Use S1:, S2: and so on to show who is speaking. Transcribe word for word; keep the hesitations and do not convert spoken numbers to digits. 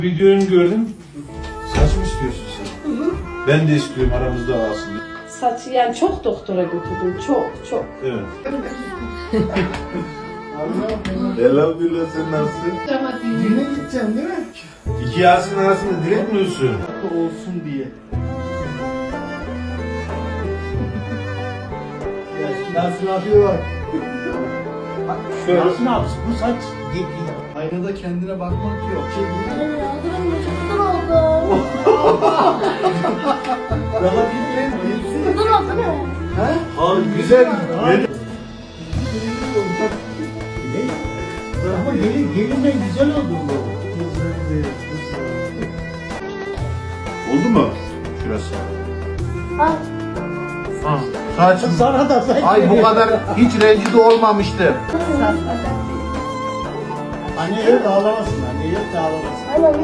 S1: Videonu gördüm. Saç mı istiyorsun sen? Hı hı. Ben de istiyorum, aramızda kalsın.
S2: Saçı yani çok doktora götürdüm. Çok çok.
S1: Evet. Elhamdülillah, sen nasılsın?
S3: Düğüne gideceğim değil mi?
S1: İki Yasin arasında direkt mi ölsün?
S3: Olsun diye. Yasin abi var.
S1: Şöyle.
S3: Yasin abi bu saç aynada kendine bakmak yok. Şey,
S4: Kızım oldu.
S3: daha bilmeyen
S4: Kızım oldu mu?
S3: He?
S1: Abi güzel.
S3: Abi. Ama gelin, gelinle güzel oldu bu.
S1: Oldu mu? Şurası.
S4: Al.
S1: Ha. Saçım.
S3: Sana da saç.
S5: Ay bu kadar hiç rencide olmamıştım.
S3: Anne yok ağlamasın, anne yok ağlamasın.
S4: Anne